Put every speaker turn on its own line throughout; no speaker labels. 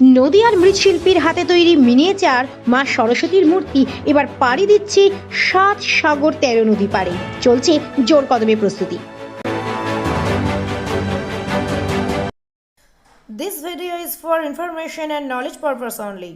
নদিয়ার মৃৎশিল্পীর হাতে তৈরি মিনিয়েচার মা সরস্বতীর মূর্তি এবার পাড়ি দিচ্ছে ৭ সাগর ১৩ নদী পাড়ে। চলছে জোর কদমে প্রস্তুতি।
This video is for information and knowledge purpose only.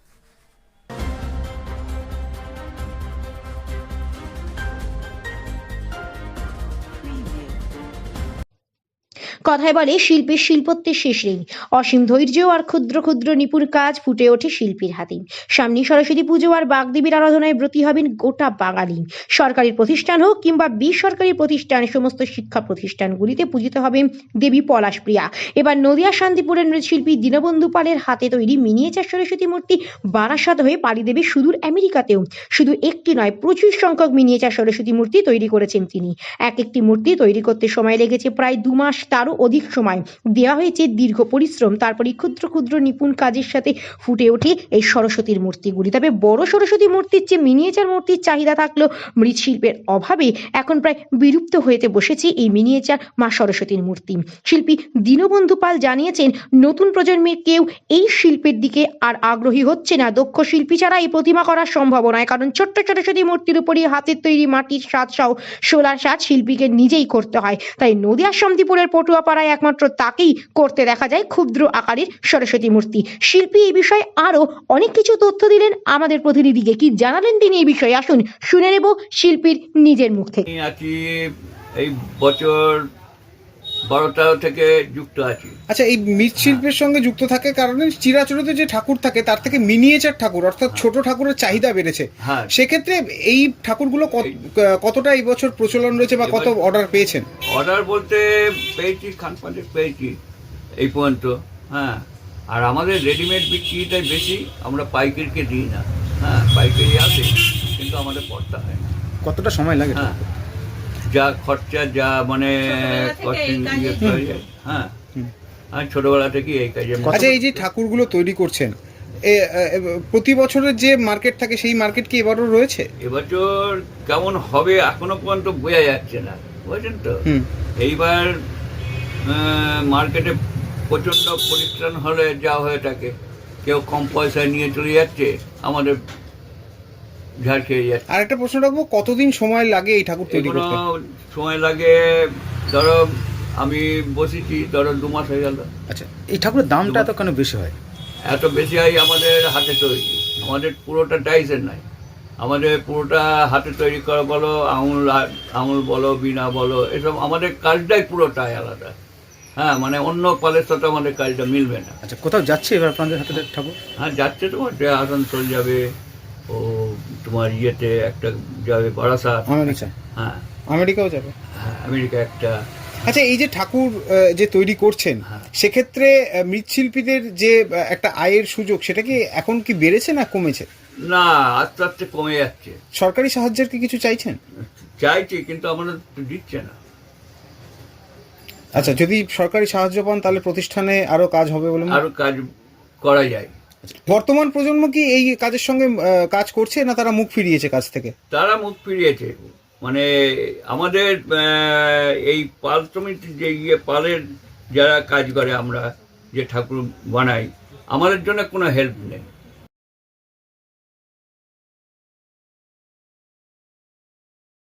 কথায় বলে শিল্পীর শিল্পত্বের শেষ নেই। অসীম ধৈর্য আর ক্ষুদ্র ক্ষুদ্র নিপুণ কাজ ফুটে ওঠে শিল্পীর হাতে। সামনে সরস্বতী পুজো আর বাগদেবীর আরাধনায় ব্রতী হবেন গোটা বাঙালি। সরকারি প্রতিষ্ঠান হোক কিংবা বেসরকারি প্রতিষ্ঠান, সমস্ত শিক্ষা প্রতিষ্ঠানগুলিতে পূজিত হবে দেবী পলাশপ্রিয়া। এবার নদিয়া শান্তিপুরের মৃৎশিল্পী দীনবন্ধু পালের হাতে তৈরি মিনিয়েচার সরস্বতী মূর্তি বারাসাত হয়ে পাড়ি দেবে সুদূর আমেরিকাতেও। শুধু একটি নয়, প্রচুর সংখ্যক মিনিয়েচার সরস্বতী মূর্তি তৈরি করেছেন তিনি। একটি মূর্তি তৈরি করতে সময় লেগেছে প্রায় 2 মাস, তারও অধিক সময় দেওয়া হয়েছে দীর্ঘ পরিশ্রম। তারপরে ক্ষুদ্র ক্ষুদ্র নিপুণ কাজের সাথে ফুটে ওঠে এই সরস্বতীর মূর্তিগুলি। তবে বড় সরস্বতী মূর্তির চেয়ে মিনিয়েচার মূর্তির চাহিদা থাকলেও মৃৎশিল্পের অভাবে এখন প্রায় বিলুপ্ত হতে বসেছে এই মিনিয়েচার মা সরস্বতীর মূর্তি। শিল্পী দীনবন্ধু পাল জানিয়েছেন, নতুন প্রজন্মের কেউ এই শিল্পের দিকে আর আগ্রহী হচ্ছে না। দক্ষ শিল্পী ছাড়া এই প্রতিমা করা সম্ভব নয়, কারণ ছোট্ট সরস্বতী মূর্তির উপরই হাতের তৈরি মাটির সাজ সহ সোলার সাজ শিল্পীকে নিজেই করতে হয়। তাই নদিয়ার শান্তিপুরের পটুয়াপাড়ায় একমাত্র তাকেই করতে দেখা যায় ক্ষুদ্র আকারের সরস্বতী মূর্তি। শিল্পী এই বিষয়ে আরো অনেক কিছু তথ্য দিলেন আমাদের প্রতিনিধিকে। কি জানালেন তিনি এই বিষয়ে, আসুন শুনে নেব শিল্পীর নিজের মুখ থেকে।
আছি এই বছর 12টা থেকে যুক্ত আছি।
আচ্ছা, এই মৃৎশিল্পের সঙ্গে যুক্ত থাকে কারণে চিরাচরিত যে ঠাকুর থাকে তার থেকে মিনিয়েচার ঠাকুর অর্থাৎ ছোট ঠাকুরের চাহিদা বেড়েছে।
হ্যাঁ,
সেক্ষেত্রে এই ঠাকুরগুলো কতটা এই বছর প্রচলন রয়েছে বা কত অর্ডার পেয়েছেন?
অর্ডার বলতে পেয়েছি, খান পাঁচেক পেয়েছি এই পর্যন্ত। হ্যাঁ, আর আমাদের রেডিমেড বিক্রিটাই বেশি, আমরা পাইকারিকে দিই না। হ্যাঁ, পাইকারি আসে কিন্তু আমাদের পড়তে হয় না।
কতটা সময় লাগে?
হ্যাঁ, যা খরচা, যা মানে হ্যাঁ, আর ছোটবেলা থেকে এই কাজে।
আচ্ছা, এই যে ঠাকুরগুলো তৈরি করছেন, প্রতি বছরের যে মার্কেট থাকে সেই মার্কেট কি এবারও রয়েছে?
এবছর কেমন হবে এখনো পর্যন্ত বোঝা যাচ্ছে না, বুঝছেন তো। এইবার মার্কেটে প্রচন্ড পরিশ্রম হলে যা হয়ে থাকে, কেউ কম পয়সায় নিয়ে চলে যাচ্ছে, আমাদের ঝাড় খেয়ে যাচ্ছে।
আর একটা প্রশ্ন রাখবো, কতদিন সময় লাগে এই ঠাকুর তৈরি করতে?
সময় লাগে, ধরো আমি বসেছি, ধরো 2 মাস হয়ে গেল।
আচ্ছা, এই ঠাকুরের দামটা এত কেন বেশি হয়?
এত বেশি হয় আমাদের হাতে তৈরি, আমাদের পুরোটা টাইসের নাই, আমাদের পুরোটা হাতে তৈরি করা, বলো আঙুল বলো, বিনা বলো, এসব আমাদের কাজটাই পুরোটাই আলাদা। হ্যাঁ, মানে অন্য পালের সাথে আমাদের কাজটা মিলবে না।
আচ্ছা, কোথাও যাচ্ছে এবার আপনাদের হাতে ঠাকুর?
হ্যাঁ, যাচ্ছে, তোমার আসানসোল যাবে, ও তোমার ইয়েতে একটা যাবে বারাসাত। হ্যাঁ,
আমেরিকাও যাবে।
হ্যাঁ, আমেরিকা একটা।
আচ্ছা, এই যে ঠাকুর যে তৈরি করছেন, সেক্ষেত্রে মৃৎশিল্পীদের যে একটা আয়ের সুযোগ, সেটা কি এখন কি বেড়েছে না কমেছে?
না, আস্তে আস্তে কমে যাচ্ছে।
সরকারি সাহায্যের কি কিছু চাইছেন?
চাইছি, কিন্তু আমাদের দিচ্ছে না।
আচ্ছা, যদি সরকারি সাহায্য পান তাহলে প্রতিষ্ঠানে আরো কাজ হবে বলে
আরো কাজ করা যায়।
বর্তমান প্রজন্ম কি এই কাজের সঙ্গে কাজ করছে না তারা মুখ ফিরিয়েছে কাজ থেকে?
তারা মুখ ফিরিয়েছে। মানে আমাদের এই পাল সমিতির যে পালের যারা কাজ করে, আমরা যে ঠাকুর বানাই, আমাদের জন্য কোনো হেল্প নেই।